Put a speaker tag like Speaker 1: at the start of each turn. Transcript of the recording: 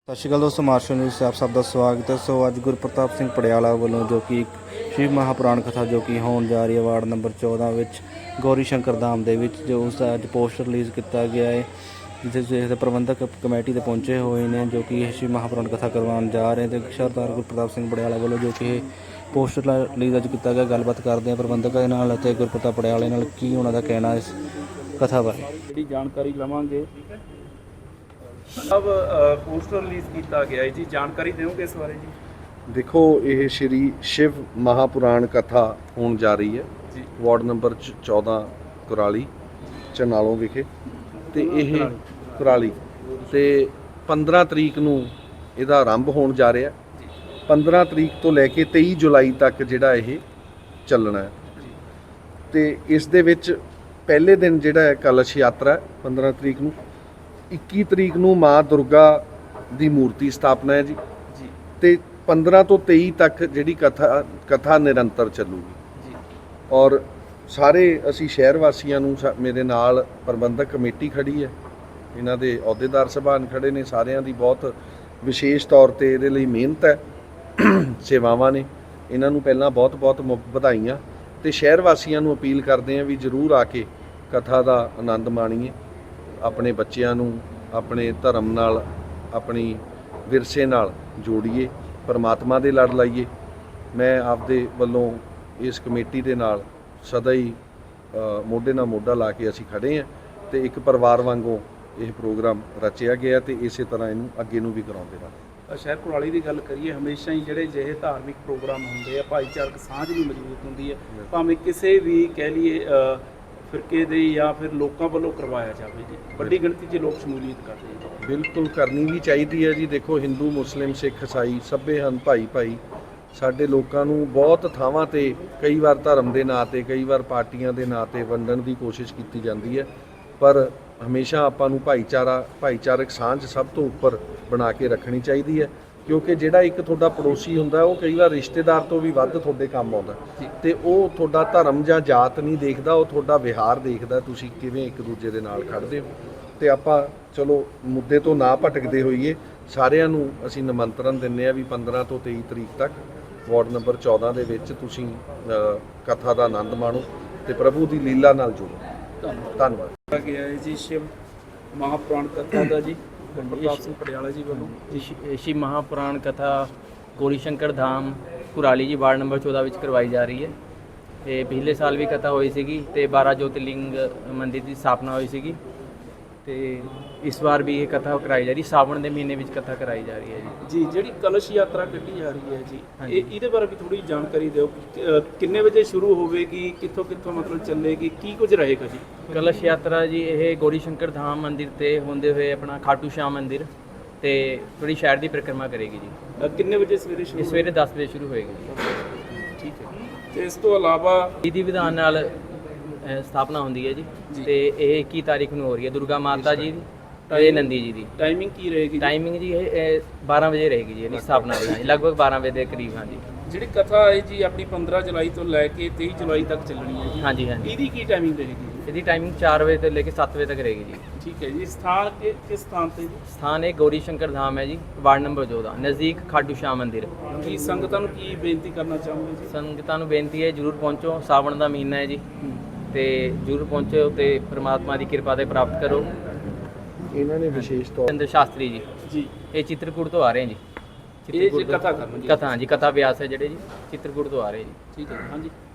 Speaker 1: ਸਤਿ ਸ਼੍ਰੀ ਅਕਾਲ ਦੋਸਤੋ, martial news 'ਚ ਆਪ ਸਭ ਦਾ ਸਵਾਗਤ ਹੈ। ਸੋ ਅੱਜ ਗੁਰਪ੍ਰਤਾਪ ਸਿੰਘ ਪੜਿਆਲਾ ਵੱਲੋਂ ਜੋ ਕਿ ਸ਼ਿਵ ਮਹਾਪੁਰਾਣ ਕਥਾ ਜੋ ਕਿ ਹੋਣ ਜਾ ਰਹੀ ਹੈ ਵਾਰਡ ਨੰਬਰ 14 ਵਿੱਚ ਗੌਰੀ ਸ਼ੰਕਰ ਧਾਮ ਦੇ ਵਿੱਚ, ਜੋ ਉਸ ਦਾ ਅੱਜ ਪੋਸਟਰ ਰਿਲੀਜ਼ ਕੀਤਾ ਗਿਆ ਹੈ, ਜਿਸ ਦੇ ਪ੍ਰਬੰਧਕ ਕਮੇਟੀ ਦੇ ਪਹੁੰਚੇ ਹੋਏ ਨੇ ਜੋ ਕਿ ਇਹ ਸ਼ਿਵ ਮਹਾਪੁਰਾਣ ਕਥਾ ਕਰਵਾਉਣ ਜਾ ਰਹੇ ਤੇ ਸਰਦਾਰ ਗੁਰਪ੍ਰਤਾਪ ਸਿੰਘ ਪੜਿਆਲਾ ਵੱਲੋਂ ਜੋ ਕਿ ਇਹ ਪੋਸਟਰ ਰਿਲੀਜ਼ ਅੱਜ ਕੀਤਾ ਗਿਆ। ਗੱਲਬਾਤ ਕਰਦੇ ਹਾਂ ਪ੍ਰਬੰਧਕਾਂ ਦੇ ਨਾਲ ਅਤੇ ਗੁਰਪ੍ਰਤਾਪ ਪੜਿਆਲੇ ਨਾਲ, ਕੀ ਉਹਨਾਂ ਦਾ ਕਹਿਣਾ ਇਸ ਕਥਾ ਬਾਰੇ।
Speaker 2: ਜਿਹੜੀ ਜਾਣਕਾਰੀ ਲਵਾਂਗੇ। अब पोस्टर रिलीज किया गया है जी, जानकारी दोगे इस बारे जी?
Speaker 3: देखो, ये श्री शिव महापुराण कथा होने जा रही है
Speaker 2: जी।
Speaker 3: वार्ड नंबर 14 कुराली चनालों विखे ते यह कुराली ते 15 तरीक नूं इहदा आरंभ होने जा रहा है। 15 तरीक तो लैके 23 जुलाई तक जिहड़ा यह चलना है ते इस दे विच पहले दिन जिहड़ा है कलश यात्रा है 15 तरीक नूं। 21 तरीक ਨੂੰ ਮਾਂ ਦੁਰਗਾ ਦੀ ਮੂਰਤੀ ਸਥਾਪਨਾ ਹੈ ਜੀ ਤੇ 15 ਤੋਂ 23 ਤੱਕ ਜਿਹੜੀ ਕਥਾ ਨਿਰੰਤਰ ਚੱਲੂਗੀ ਜੀ। ਔਰ ਸਾਰੇ ਅਸੀਂ ਸ਼ਹਿਰ ਵਾਸੀਆਂ ਨੂੰ, ਮੇਰੇ ਨਾਲ ਪ੍ਰਬੰਧਕ ਕਮੇਟੀ ਖੜੀ ਹੈ, ਇਹਨਾਂ ਦੇ ਅਹੁਦੇਦਾਰ ਸਭਾਨ ਖੜੇ ਨੇ, ਸਾਰਿਆਂ ਦੀ ਬਹੁਤ ਵਿਸ਼ੇਸ਼ ਤੌਰ ਤੇ ਇਹਦੇ ਲਈ ਮਿਹਨਤ ਹੈ, ਸੇਵਾਵਾਂ ਨੇ। ਇਹਨਾਂ ਨੂੰ ਪਹਿਲਾਂ ਬਹੁਤ ਵਧਾਈਆਂ ਤੇ ਸ਼ਹਿਰ ਵਾਸੀਆਂ ਨੂੰ ਅਪੀਲ ਕਰਦੇ ਹਾਂ ਵੀ ਜ਼ਰੂਰ ਆ ਕੇ ਕਥਾ ਦਾ ਆਨੰਦ ਮਾਣੀਏ, ਆਪਣੇ ਬੱਚਿਆਂ ਨੂੰ ਆਪਣੇ ਧਰਮ ਨਾਲ, ਆਪਣੀ ਵਿਰਸੇ ਨਾਲ ਜੋੜੀਏ, ਪਰਮਾਤਮਾ ਦੇ ਲੜ ਲਾਈਏ। ਮੈਂ ਆਪਦੇ ਵੱਲੋਂ ਇਸ ਕਮੇਟੀ ਦੇ ਨਾਲ ਸਦਾ ਹੀ ਮੋਢੇ ਨਾਲ ਮੋਢਾ ਲਾ ਕੇ ਅਸੀਂ ਖੜੇ ਹਾਂ ਤੇ ਇੱਕ ਪਰਿਵਾਰ ਵਾਂਗੋਂ ਇਹ ਪ੍ਰੋਗਰਾਮ ਰਚਿਆ ਗਿਆ ਤੇ ਇਸੇ ਤਰ੍ਹਾਂ ਇਹਨੂੰ ਅੱਗੇ ਨੂੰ ਵੀ ਕਰਾਉਂਦੇ ਰਹਾਂਗੇ।
Speaker 2: ਸ਼ਹਿਰ ਕੁਰਾਲੀ ਦੀ ਗੱਲ ਕਰੀਏ, ਹਮੇਸ਼ਾ ਹੀ ਜਿਹੜੇ ਜਿਹੇ ਧਾਰਮਿਕ ਪ੍ਰੋਗਰਾਮ ਹੁੰਦੇ ਆ, ਭਾਈਚਾਰਕ ਸਾਂਝ ਵੀ ਮਜ਼ਬੂਤ ਹੁੰਦੀ ਹੈ, ਭਾਵੇਂ ਕਿਸੇ ਵੀ ਕਹਿ ਲਈਏ ਫਿਰਕੇ ਦੇ ਜਾਂ ਫਿਰ ਲੋਕਾਂ ਵੱਲੋਂ ਕਰਵਾਇਆ ਜਾਵੇ ਜੀ। ਵੱਡੀ ਗਿਣਤੀ 'ਚ ਲੋਕ ਸ਼ਮੂਲੀਅਤ ਕਰਦੇ ਆ।
Speaker 3: ਬਿਲਕੁਲ ਕਰਨੀ ਵੀ ਚਾਹੀਦੀ ਹੈ ਜੀ। ਦੇਖੋ, ਹਿੰਦੂ, ਮੁਸਲਿਮ, ਸਿੱਖ, ਈਸਾਈ ਸਭੇ ਹਨ ਭਾਈ। ਸਾਡੇ ਲੋਕਾਂ ਨੂੰ ਬਹੁਤ ਥਾਵਾਂ ਤੇ ਕਈ ਵਾਰ ਧਰਮ ਦੇ ਨਾਂ ਤੇ, ਕਈ ਵਾਰ ਪਾਰਟੀਆਂ ਦੇ ਨਾਂ ਤੇ ਵੰਡਣ ਦੀ ਕੋਸ਼ਿਸ਼ ਕੀਤੀ ਜਾਂਦੀ ਹੈ, ਪਰ ਹਮੇਸ਼ਾ ਆਪਾਂ ਨੂੰ ਭਾਈਚਾਰਕ ਸਾਂਝ ਸਭ ਤੋਂ ਉੱਪਰ ਬਣਾ ਕੇ ਰੱਖਣੀ ਚਾਹੀਦੀ ਹੈ, ਕਿਉਂਕਿ ਜਿਹੜਾ ਇੱਕ ਤੁਹਾਡਾ ਪੜੋਸੀ ਹੁੰਦਾ ਉਹ ਕਈ ਵਾਰ ਰਿਸ਼ਤੇਦਾਰ ਤੋਂ ਵੀ ਵੱਧ ਤੁਹਾਡੇ ਕੰਮ ਆਉਂਦਾ ਤੇ ਉਹ ਤੁਹਾਡਾ ਧਰਮ ਜਾਂ ਜਾਤ ਨਹੀਂ ਦੇਖਦਾ, ਉਹ ਤੁਹਾਡਾ ਵਿਹਾਰ ਦੇਖਦਾ, ਤੁਸੀਂ ਕਿਵੇਂ ਇੱਕ ਦੂਜੇ ਦੇ ਨਾਲ ਖੜਦੇ ਹੋ। ਤੇ ਆਪਾਂ ਚਲੋ ਮੁੱਦੇ ਤੋਂ ਨਾ ਭਟਕਦੇ ਹੋਈਏ, ਸਾਰਿਆਂ ਨੂੰ ਅਸੀਂ ਨਿਮੰਤਰਣ ਦਿੰਦੇ ਆ ਵੀ 15 ਤੋਂ 23 ਤਰੀਕ ਤੱਕ ਵਾਰਡ ਨੰਬਰ 14 ਦੇ ਵਿੱਚ ਤੁਸੀਂ ਕਥਾ ਦਾ ਆਨੰਦ ਮਾਣੋ ਤੇ ਪ੍ਰਭੂ ਦੀ ਲੀਲਾ ਨਾਲ ਜੁੜੋ। ਧੰਨਵਾਦ।
Speaker 2: ਗਿਆ ਹੈ ਜੀ ਸ਼ਿਵ ਮਹਾਪੁਰਾਣ ਕਥਾ ਦਾ ਜੀ ਗੁਰਪ੍ਰਤਾਪ ਸਿੰਘ ਪਟਿਆਲਾ ਜੀ ਵੱਲੋਂ।
Speaker 4: ਸ਼ਿਵ ਮਹਾਪੁਰਾਣ ਕਥਾ ਗੌਰੀ ਸ਼ੰਕਰ ਧਾਮ ਕੁਰਾਲੀ ਜੀ ਵਾਰਡ ਨੰਬਰ 14 ਵਿੱਚ ਕਰਵਾਈ ਜਾ ਰਹੀ ਹੈ। ਤੇ ਪਿਛਲੇ ਸਾਲ ਵੀ ਕਥਾ ਹੋਈ ਸੀਗੀ ਤੇ 12 ਜੋਤਿਰਲਿੰਗ ਮੰਦਿਰ ਦੀ ਸਥਾਪਨਾ ਹੋਈ ਸੀਗੀ ਤੇ ਇਸ ਵਾਰ ਵੀ ਇਹ ਕਥਾ ਕਰਾਈ ਜਾ ਰਹੀ, ਸਾਵਣ ਦੇ ਮਹੀਨੇ ਵਿੱਚ ਕਥਾ ਕਰਾਈ ਜਾ ਰਹੀ ਹੈ ਜੀ।
Speaker 2: ਜਿਹੜੀ ਕਲਸ਼ ਯਾਤਰਾ ਕੱਢੀ ਜਾ ਰਹੀ ਹੈ ਜੀ, ਇਹਦੇ ਬਾਰੇ ਵੀ ਥੋੜੀ ਜਾਣਕਾਰੀ ਦਿਓ। ਕਿੰਨੇ ਵਜੇ ਸ਼ੁਰੂ ਹੋਵੇਗੀ, ਕਿੱਥੋਂ ਮਤਲਬ ਚੱਲੇਗੀ, ਕੀ ਕੁਝ ਰਹੇਗਾ ਜੀ?
Speaker 4: ਕਲਸ਼ ਯਾਤਰਾ ਜੀ ਇਹ ਗੌਰੀ ਸ਼ੰਕਰ ਧਾਮ ਮੰਦਿਰ ਤੇ ਹੁੰਦੇ ਹੋਏ ਆਪਣਾ ਖਾਟੂ ਸ਼ਾਮ ਮੰਦਿਰ ਤੇ ਥੋੜੀ ਸ਼ਹਿਰ ਦੀ ਪਰਿਕਰਮਾ ਕਰੇਗੀ ਜੀ।
Speaker 2: ਕਿੰਨੇ ਵਜੇ ਸਵੇਰੇ ਸ਼ੁਰੂ?
Speaker 4: ਸਵੇਰੇ 10 ਵਜੇ ਸ਼ੁਰੂ ਹੋਏਗੀ ਜੀ।
Speaker 2: ਠੀਕ ਹੈ। ਤੇ ਇਸ ਤੋਂ ਇਲਾਵਾ
Speaker 4: ਵਿਧੀ ਵਿਧਾਨ ਨਾਲ ਸਥਾਪਨਾ ਹੁੰਦੀ ਹੈ ਜੀ ਤੇ ਇਹ 21 ਤਾਰੀਖ ਨੂੰ ਹੋ ਰਹੀ ਹੈ ਦੁਰਗਾ ਮਾਤਾ ਜੀ ਦੀ ਤੇ ਨੰਦੀ ਜੀ ਦੀ।
Speaker 2: ਟਾਈਮਿੰਗ ਕੀ ਰਹੇਗੀ?
Speaker 4: ਟਾਈਮਿੰਗ ਜੀ ਇਹ 12 ਵਜੇ ਰਹੇਗੀ ਜੀ, ਇਹਦੀ ਸਥਾਪਨਾ ਹੋਈ ਲਗਭਗ 12 ਵਜੇ ਦੇ ਕਰੀਬ। ਹਾਂਜੀ,
Speaker 2: ਜਿਹੜੀ ਕਥਾ ਹੈ ਜੀ ਆਪਣੀ 15 ਜੁਲਾਈ ਤੋਂ ਲੈ ਕੇ 23 ਜੁਲਾਈ ਤੱਕ ਚੱਲਣੀ ਹੈ ਜੀ।
Speaker 4: ਹਾਂਜੀ।
Speaker 2: ਇਹਦੀ ਕੀ ਟਾਈਮਿੰਗ ਰਹੇਗੀ?
Speaker 4: ਇਹਦੀ ਟਾਈਮਿੰਗ 4 ਵਜੇ ਤੋਂ ਲੈ ਕੇ 7 ਵਜੇ ਤੱਕ ਰਹੇਗੀ ਜੀ।
Speaker 2: ਠੀਕ ਹੈ ਜੀ। ਸਥਾਨ ਕਿਸ ਸਥਾਨ ਤੇ ਜੀ?
Speaker 4: ਸਥਾਨ ਇਹ ਗੌਰੀ ਸ਼ੰਕਰ ਧਾਮ ਹੈ ਜੀ, ਵਾਰਡ ਨੰਬਰ 14 ਨਜ਼ਦੀਕ ਖਾਟੂ ਸ਼ਾਮ ਮੰਦਿਰ।
Speaker 2: ਕੀ ਸੰਗਤਾਂ ਨੂੰ ਕੀ ਬੇਨਤੀ ਕਰਨਾ ਚਾਹੋਗੇ ਜੀ?
Speaker 4: ਸੰਗਤਾਂ ਨੂੰ ਬੇਨਤੀ ਹੈ ਜਰੂਰ ਪਹੁੰਚੋ, ਸਾਵਣ ਦਾ ਮਹੀਨਾ ਹੈ ਜੀ ਤੇ ਜਰੂਰ ਪਹੁੰਚੋ ਤੇ ਪ੍ਰਮਾਤਮਾ ਦੀ ਕਿਰਪਾ ਦੇ ਪ੍ਰਾਪਤ ਕਰੋ।
Speaker 3: ਇਹਨਾਂ ਨੇ ਵਿਸ਼ੇਸ਼ ਤੌਰ
Speaker 4: ਚੰਦਰ ਸ਼ਾਸਤਰੀ ਜੀ ਇਹ ਚਿੱਤਰਕੂਟ ਤੋਂ ਆ ਰਹੇ ਜੀ।
Speaker 2: ਇਹ ਜੀ ਕਥਾ ਕਰਨੀ ਜੀ।
Speaker 4: ਕਥਾ ਜੀ, ਕਥਾ ਵਿਆਸ ਹੈ ਜਿਹੜੇ ਜੀ ਚਿੱਤਰਕੂਟ ਤੋਂ ਆ ਰਹੇ ਜੀ।
Speaker 2: ਠੀਕ ਹੈ। ਹਾਂਜੀ।